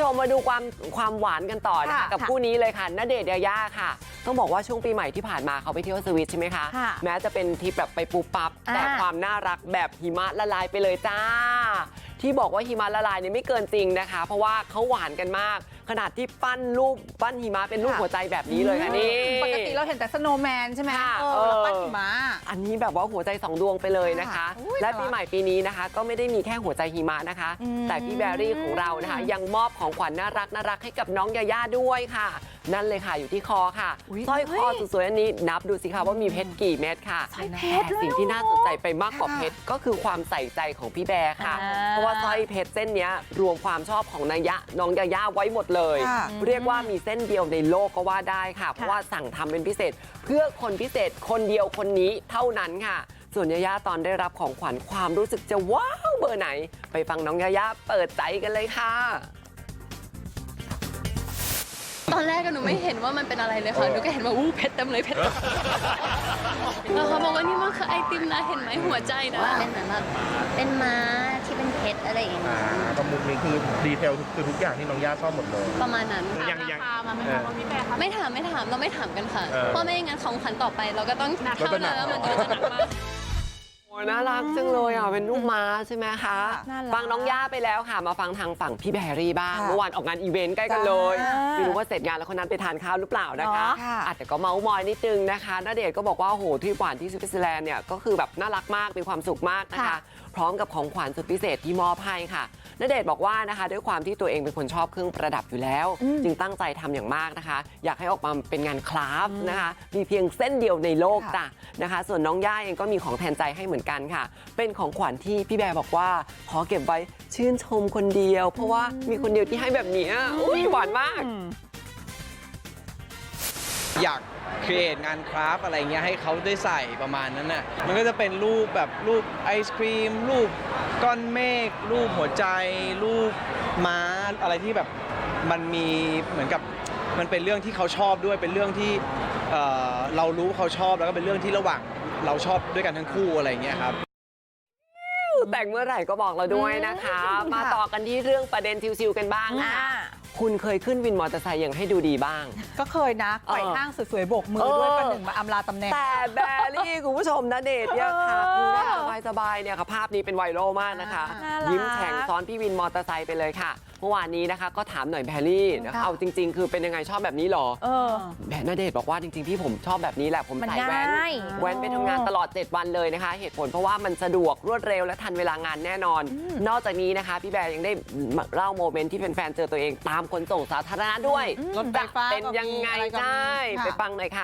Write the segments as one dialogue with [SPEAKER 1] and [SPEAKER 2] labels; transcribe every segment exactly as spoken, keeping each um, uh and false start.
[SPEAKER 1] มมาดูความความหวานกันต่อนะคะกับคู่นี้เลยค่ะณเดชน์ยาย่าค่ะต้องบอกว่าช่วงปีใหม่ที่ผ่านมาเขาไปเที่ยวสวิตใช่ไหมคะแม้จะเป็นทริปแบบไปปุ๊บปั๊บแต่ความน่ารักแบบหิมะละลายไปเลยจ้าที่บอกว่าหิมะละลายเนี่ยไม่เกินจริงนะคะเพราะว่าเขาหวานกันมากขนาดที่ปั้นรูปปั้นหิมะเป็นรูปหัวใจแบบนี้เลยค่ะนี่
[SPEAKER 2] ปกติเราเห็นแต่สโนว์แมนใช่ไหมเออแล้วปั้นหิมะ
[SPEAKER 1] อันนี้แบบว่าหัวใจสองดวงไปเลยนะคะและปีใหม่ปีนี้นะคะก็ไม่ได้มีแค่หัวใจหิมะนะคะแต่พี่แบรี่ของเรานะคะยังมอบของขวัญน่ารักน่ารักให้กับน้องยาย่าด้วยค่ะนั่นเลยค่ะอยู่ที่คอค่ะสร้อยคอสวยๆอันนี้นับดูสิคะว่ามีเพชรกี่เม็ดค่ะแต่สิ่งที่น่าสนใจไปมากกว่าเพชรก็คือความใส่ใจของพี่แบร์ค่ะเพราะว่าสร้อยเพชรเส้นนี้รวมความชอบของนายะน้องยาย่าไว้หมดเลยเรียกว่ามีเส้นเดียวในโลกก็ว่าได้ค่ะเพราะว่าสั่งทำเป็นพิเศษเพื่อคนพิเศษคนเดียวคนนี้เท่านั้นค่ะส่วนยาย่าตอนได้รับของขวัญความรู้สึกจะว้าวเบอร์ไหนไปฟังน้องยาย่าเปิดใจกันเลยค่ะ
[SPEAKER 3] ตอนแรกหนูไม่เห็นว่ามันเป็นอะไรเลยค่ะหนูก็เห็นว่าอู้เพชรเต็มเลยเพชรแล้วเขาบอกว่านี่มันคือไอติมนะเห็นไหมหัวใจนะ
[SPEAKER 4] เป็นเหมือนแบบเป็นม้าที่เป็นเพชรอะไรอย่างเงี้ย
[SPEAKER 5] ประมุขนี้คือดีเทลคือทุกอย่างที่น้องย่าชอบหมดเลย
[SPEAKER 3] ประมาณนั้น
[SPEAKER 5] ยังยัง
[SPEAKER 3] ไม่ถามไม่ถามเราไม่ถามกันค่ะเพราะไม่งั้นของขวัญต่อไปเราก็ต้องเท่านั้นแล้วมันก็จะหนักมาก
[SPEAKER 1] น่ารักจังเลยอ่ะเป็นลูกม้าใช่ไหมคะฟังน้องย่าไปแล้วค่ะมาฟังทางฝั่งพี่แบรี่บ้างเมื่อวานออกงานอีเวนต์ใกล้กันเลยไม่รู้ว่าเสร็จงานแล้วคนนั้นไปทานข้าวหรือเปล่านะคะอาจจะก็เมาส์มอยนิดนึงนะคะณเดชน์ก็บอกว่าโหทริปหวานที่สวิตเซอร์แลนด์เนี่ยก็คือแบบน่ารักมากมีความสุขมากนะคะพร้อมกับของขวัญสุดพิเศษที่มอบให้ค่ะณเดชน์บอกว่านะคะด้วยความที่ตัวเองเป็นคนชอบเครื่องประดับอยู่แล้วจึงตั้งใจทำอย่างมากนะคะอยากให้ออกมาเป็นงานคราฟต์นะคะมีเพียงเส้นเดียวในโลกจ้ะนะคะส่วนน้องย่าเองก็มีของแทนใจให้เหมือนกันค่ะเป็นของขวัญที่พี่แบร์บอกว่าขอเก็บไว้ชื่นชมคนเดียวเพราะว่ามีคนเดียวที่ให้แบบนี้อุ้ยหวานมาก
[SPEAKER 6] อยากครีเอทงานคราฟอะไรเงี้ยให้เขาได้ใส่ประมาณนั้นน่ะมันก็จะเป็นรูปแบบรูปไอศครีมรูปก้อนเมฆรูปหัวใจรูปม้าอะไรที่แบบมันมีเหมือนกับมันเป็นเรื่องที่เขาชอบด้วยเป็นเรื่องที่เอ่อเรารู้เขาชอบแล้วก็เป็นเรื่องที่ระหว่างเราชอบด้วยกันทั้งคู่อะไรเงี้ยครับ
[SPEAKER 1] แต่งเมื่อไหร่ก็บอกเราด้วยนะคะมาต่อกันที่เรื่องประเด็นชิวๆกันบ้างค่ะคุณเคยขึ้นวินมอเตอร์ไซค์ยังให้ดูดีบ้าง
[SPEAKER 2] ก็เคยนะไขว่ห้างสวยๆโบกมือด้วยประหนึ่งมาอำลาตำแหน่ง
[SPEAKER 1] แต่แบรี่คุณผู้ชมนะเดชเนี่ยค่ะคือสบายๆเนี่ยค่ะภาพนี้เป็นไวรัลมากนะคะยิ้มแฉ่งซ้อนพี่วินมอเตอร์ไซค์ไปเลยค่ะเมื่อวานนี้นะคะก็ถามหน่อยแบรี่เอาจริงๆคือเป็นยังไงชอบแบบนี้หรอแบณเดชน์บอกว่าจริงๆพี่ผมชอบแบบนี้แหละผมใส่แว่นแว่นไปทำงานตลอดเจ็ดวันเลยนะคะเหตุผลเพราะว่ามันสะดวกรวดเร็วและทันเวลางานแน่นอนนอกจากนี้นะคะพี่แบร์ยังได้เล่าโมเมนต์ที่แฟนๆเจอตัวเองตามขนส่งสาธารณะด้วย
[SPEAKER 2] รถไฟฟ้า
[SPEAKER 1] เป็นยังไงใช่ไปฟังหน่อยค่ะ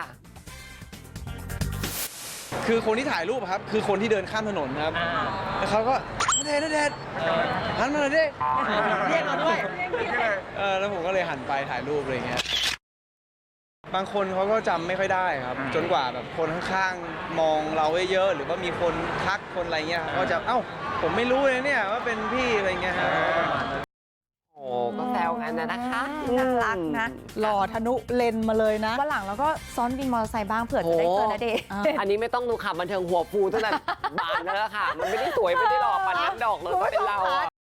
[SPEAKER 6] คือคนที่ถ่ายรูปครับคือคนที่เดินข้ามถนนครับแล้วเขาก็เดชเดชหันมาหน่อยดิเรียกเราด้วยเออแล้วผมก็เลยหันไปถ่ายรูปอะไรเงี้ยบางคนเขาก็จำไม่ค่อยได้ครับจนกว่าแบบคนข้างๆมองเราเยอะๆหรือว่ามีคนทักคนอะไรเงี้ยก็จะเอ้าผมไม่รู้เลยเนี่ยว่าเป็นพี่อะไรเงี้ยฮะ
[SPEAKER 1] โอ้ก็แซวกันนะนะคะ
[SPEAKER 2] น่ารักนะหล่อทะนุเลนมาเลยนะ
[SPEAKER 4] วันหลังเราก็ซ้อนวินมอเตอร์ไซค์บ้างเผื่อจะได้เจอณเดชน์
[SPEAKER 1] อันนี้ไม่ต้องดูข่าวบันเทิงหัวฟูตั้งแต่บานแล้วค่ะมันไม่ได้สวยไม่ได้หล่อปันน้ำดอกเลยก็เป็นเรา